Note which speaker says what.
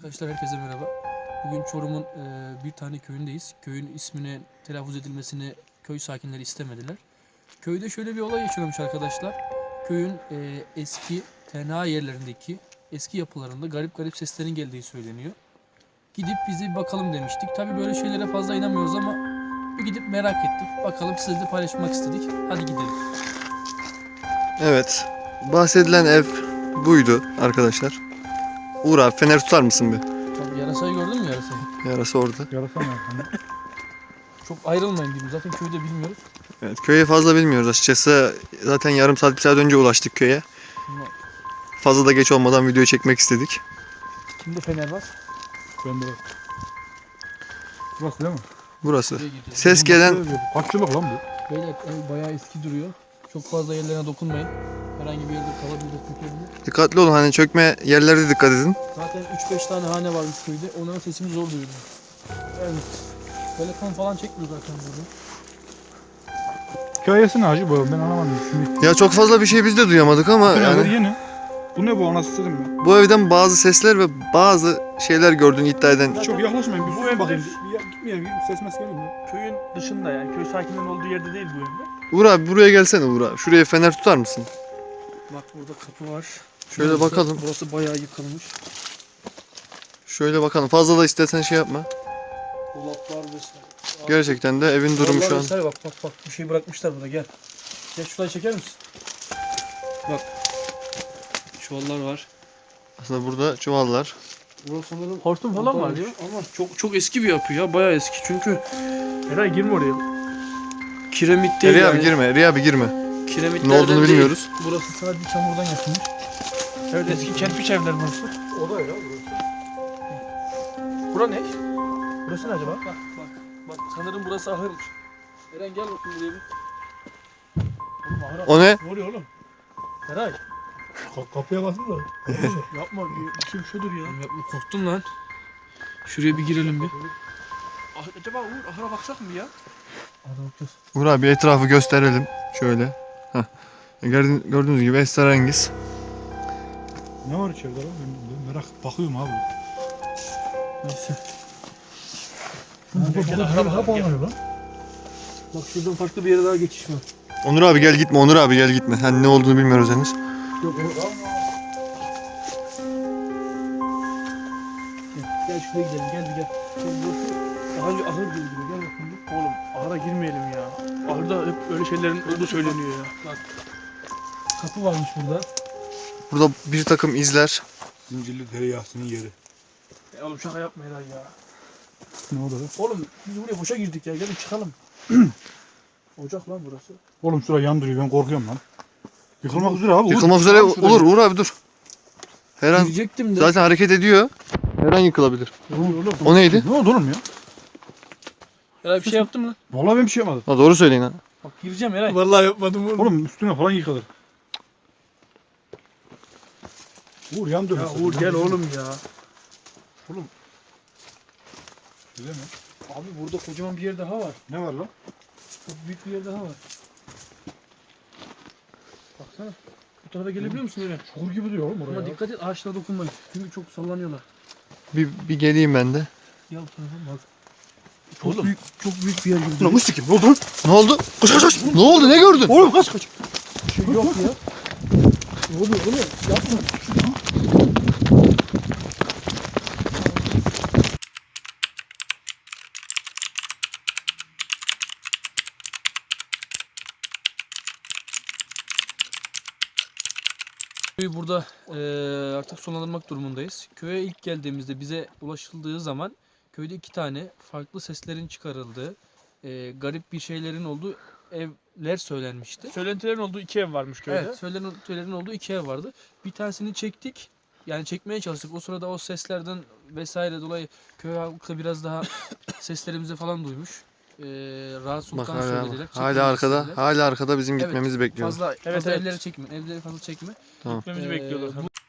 Speaker 1: Arkadaşlar herkese merhaba. Bugün Çorum'un bir tane köyündeyiz. Köyün ismini telaffuz edilmesini köy sakinleri istemediler. Köyde şöyle bir olay yaşanmış arkadaşlar. Köyün eski tenha yerlerindeki eski yapılarında garip garip seslerin geldiği söyleniyor. Gidip bizi bir bakalım demiştik. Tabi böyle şeylere fazla inanmıyoruz ama bir gidip merak ettik. Bakalım sizle de paylaşmak istedik. Hadi gidelim.
Speaker 2: Evet. Bahsedilen ev buydu arkadaşlar. Uğur abi fener tutar mısın bir?
Speaker 1: Tabii yarasayı gördün mü yarasayı?
Speaker 2: Yarası orada.
Speaker 3: Yarasa mı?
Speaker 1: Çok ayrılmayın diyeyim. Zaten köyde bilmiyoruz.
Speaker 2: Evet, köyü fazla bilmiyoruz açıkçası. Zaten yarım saat bir saat önce ulaştık köye. Fazla da geç olmadan videoyu çekmek istedik.
Speaker 1: Kimde fener var?
Speaker 3: Ben de. Burası değil mi?
Speaker 2: Burası.
Speaker 1: Buraya gidiyoruz.
Speaker 2: Ses gelen
Speaker 3: Kaç yıllık lan bu?
Speaker 1: Beyler ev bayağı eski duruyor. Çok fazla yerlerine dokunmayın. Herhangi bir yerde kalabilir, çökebilir.
Speaker 2: dikkatli olun, hani çökme yerlere dikkat edin.
Speaker 1: Zaten 3-5 tane hane varmış köyde. Onların sesini zor duyuyorum. Evet. Telefon falan çekmiyor zaten burada.
Speaker 3: Hikayesi ne hacı bu? Ben anlamadım. Şimdi
Speaker 2: Ya çok fazla bir şey biz de duyamadık ama yani
Speaker 3: yeni. Bu ne bu anasını satayım ya?
Speaker 2: bu evden bazı sesler ve bazı şeyler gördüğünü iddia eden.
Speaker 3: Çok yaklaşmayın. Bir
Speaker 4: Bu
Speaker 3: sus
Speaker 4: evde-
Speaker 3: bakayım. Gitmeyelim. Ses mes gelmiyor mu?
Speaker 4: Köyün dışında yani köy sakinlerinin olduğu yerde değil bu evde.
Speaker 2: Uğur abi buraya gelsene Uğur abi. Şuraya fener tutar mısın?
Speaker 1: Bak burada kapı var.
Speaker 2: Şöyle
Speaker 1: Burası-
Speaker 2: bakalım.
Speaker 1: Burası bayağı yıkılmış.
Speaker 2: Şöyle bakalım. Fazla da istersen şey yapma.
Speaker 1: Dolaplar vesaire.
Speaker 2: Gerçekten de evin durumu
Speaker 1: Dolaplar
Speaker 2: şu an.
Speaker 1: vesaire bak bir şey bırakmışlar burada gel. Gel şurayı çeker misin? Bak. Çuvallar var.
Speaker 2: Aslında burada çuvallar.
Speaker 1: Burası sanırım
Speaker 4: Hortum falan var ya.
Speaker 1: ama çok eski bir yapı ya, bayağı eski çünkü
Speaker 4: Eray girme oraya.
Speaker 1: kiremit değil
Speaker 2: Riya
Speaker 1: yani.
Speaker 2: abi girme, Riya abi girme.
Speaker 1: Kiremitlerden
Speaker 2: Ne olduğunu
Speaker 1: değil.
Speaker 2: bilmiyoruz.
Speaker 1: Burası sadece çamurdan yapılmış.
Speaker 4: Evet eski kerpiç evler burası.
Speaker 3: O da ya burası.
Speaker 4: Bura ne? Burası ne acaba?
Speaker 1: Bak sanırım burası ahırmış. Eren gel bakayım buraya bir.
Speaker 4: Oğlum ahıra.
Speaker 2: O ne?
Speaker 4: Ne oluyor oğlum? Eray.
Speaker 3: Kapıya basın da.
Speaker 4: Yapma bir şey dur ya.
Speaker 1: Yapma, korktum lan. Şuraya bir girelim bir.
Speaker 4: Acaba Uğur ahıra baksak mı ya?
Speaker 1: Hadi bakacağız.
Speaker 2: Uğur abi etrafı gösterelim. Şöyle. Heh. Gördüğünüz gibi esrarengiz.
Speaker 3: Ne var içeride lan? Ben merak bakıyorum abi.
Speaker 1: Neyse.
Speaker 3: Burada hep oynuyor lan.
Speaker 1: Bak şuradan farklı bir yere daha geçiş var.
Speaker 2: Onur abi gel gitme, Onur abi gel gitme. Hani ne olduğunu bilmiyoruz henüz.
Speaker 1: Yok Gel şuraya gidelim, gel bir gel. Burası daha önce ahır gibi duruyor, gel bakayım bir.
Speaker 4: Oğlum ahıra girmeyelim ya. Ahırda hep öyle şeylerin olduğu söyleniyor ya.
Speaker 1: Bak. Kapı varmış burada.
Speaker 2: Burada bir takım izler.
Speaker 3: Zincirli tereyağısının yeri.
Speaker 4: Oğlum şaka yapma Eray ya.
Speaker 3: Ne oldu lan?
Speaker 4: Oğlum biz buraya boşa girdik ya. Gelin çıkalım. Ocak lan burası.
Speaker 3: Oğlum şuraya yandırıyor. Ben korkuyorum lan. Yıkılmak üzere abi.
Speaker 2: Yıkılmak üzere olur Uğur abi dur. Her an
Speaker 1: Girecektim de.
Speaker 2: zaten hareket ediyor. Her an yıkılabilir.
Speaker 3: Oğlum.
Speaker 2: O neydi?
Speaker 3: Ne oldu oğlum ya?
Speaker 1: Eray bir şey yaptın mı?
Speaker 3: Vallahi ben bir şey yapmadım.
Speaker 2: Ha, doğru söyleyin ha.
Speaker 1: Bak gireceğim Eray.
Speaker 4: Vallahi yapmadım oğlum.
Speaker 3: Oğlum üstüne falan yıkılır. Uğur yandı.
Speaker 4: Ya Uğur gel oğlum ya.
Speaker 3: Güzel mi?
Speaker 1: Abi burada kocaman bir yer daha var.
Speaker 3: Ne var lan?
Speaker 1: Çok büyük bir yer daha var. Baksana. Bu tarafa gelebiliyor musun Eren?
Speaker 3: Çukur gibi duruyor oğlum oraya.
Speaker 1: Ama dikkat et, ağaçlara dokunmayın. Çünkü çok sallanıyorlar.
Speaker 2: Bir geleyim ben de.
Speaker 1: Gel bu tarafa bak.
Speaker 4: Oğlum.
Speaker 1: Çok büyük bir yer gibi.
Speaker 3: Ulan mısır gibi. Ne oldu lan?
Speaker 2: Ne oldu? Koş koş koş. Ne oldu? Ne gördün?
Speaker 3: Oğlum kaç kaç.
Speaker 1: Bir şey yok ya. Ne oluyor oğlum? Yapma. Köyü burada artık sonlandırmak durumundayız. Köye ilk geldiğimizde bize ulaşıldığı zaman köyde 2 tane farklı seslerin çıkarıldığı, garip bir şeylerin olduğu evler söylenmişti.
Speaker 4: Söylentilerin olduğu 2 ev varmış köyde.
Speaker 1: Evet, söylentilerin olduğu 2 ev vardı. Bir tanesini çektik. Yani çekmeye çalıştık. O sırada o seslerden vesaire dolayı köy halkı biraz daha seslerimizi falan duymuş. Rahatsız
Speaker 2: Bak
Speaker 1: olduklarını
Speaker 2: hala,
Speaker 1: söylediler.
Speaker 2: hala
Speaker 1: Çekmemizi
Speaker 2: arkada.
Speaker 1: istediler.
Speaker 2: Hala arkada bizim
Speaker 1: Evet,
Speaker 2: gitmemizi bekliyor.
Speaker 1: Fazla
Speaker 4: Evet.
Speaker 1: evleri çekme. Evleri fazla çekme.
Speaker 4: Gitmemizi bekliyorlar.
Speaker 1: Bu